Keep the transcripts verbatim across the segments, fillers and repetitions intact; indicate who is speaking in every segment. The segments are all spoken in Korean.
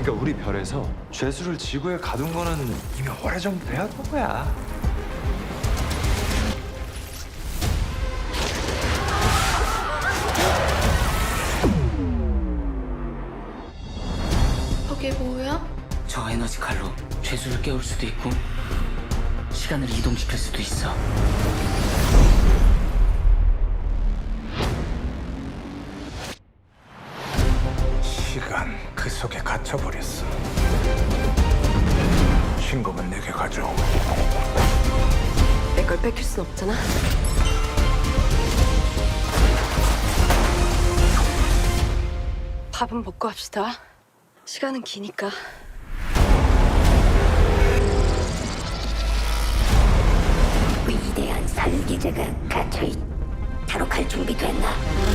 Speaker 1: 그러니까 우리 별에서 죄수를 지구에 가둔 거는 이미 오래전부터 해왔던 거야.
Speaker 2: 저게 뭐야?
Speaker 3: 저 에너지 칼로 죄수를 깨울 수도 있고 시간을 이동시킬 수도 있어.
Speaker 4: 시간 그 속에 갇혀버렸어. 신검은 내게 가져오.
Speaker 5: 내 걸 뺏길 순 없잖아. 밥은 먹고 합시다. 시간은 기니까.
Speaker 6: 위대한 살기제가 갇혀있. 탈옥할 준비됐나?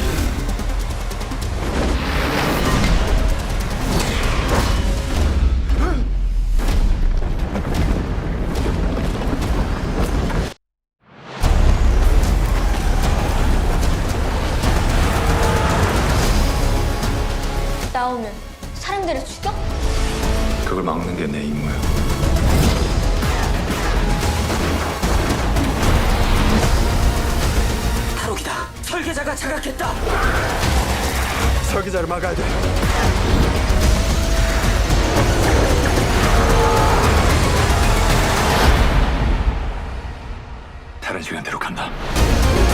Speaker 2: 나오면 사람들을 죽여?
Speaker 1: 그걸 막는 게 내 임무야.
Speaker 3: 탈옥이다. 설계자가 자각했다.
Speaker 1: 설계자를 막아야 돼. 다른 시간대로 간다.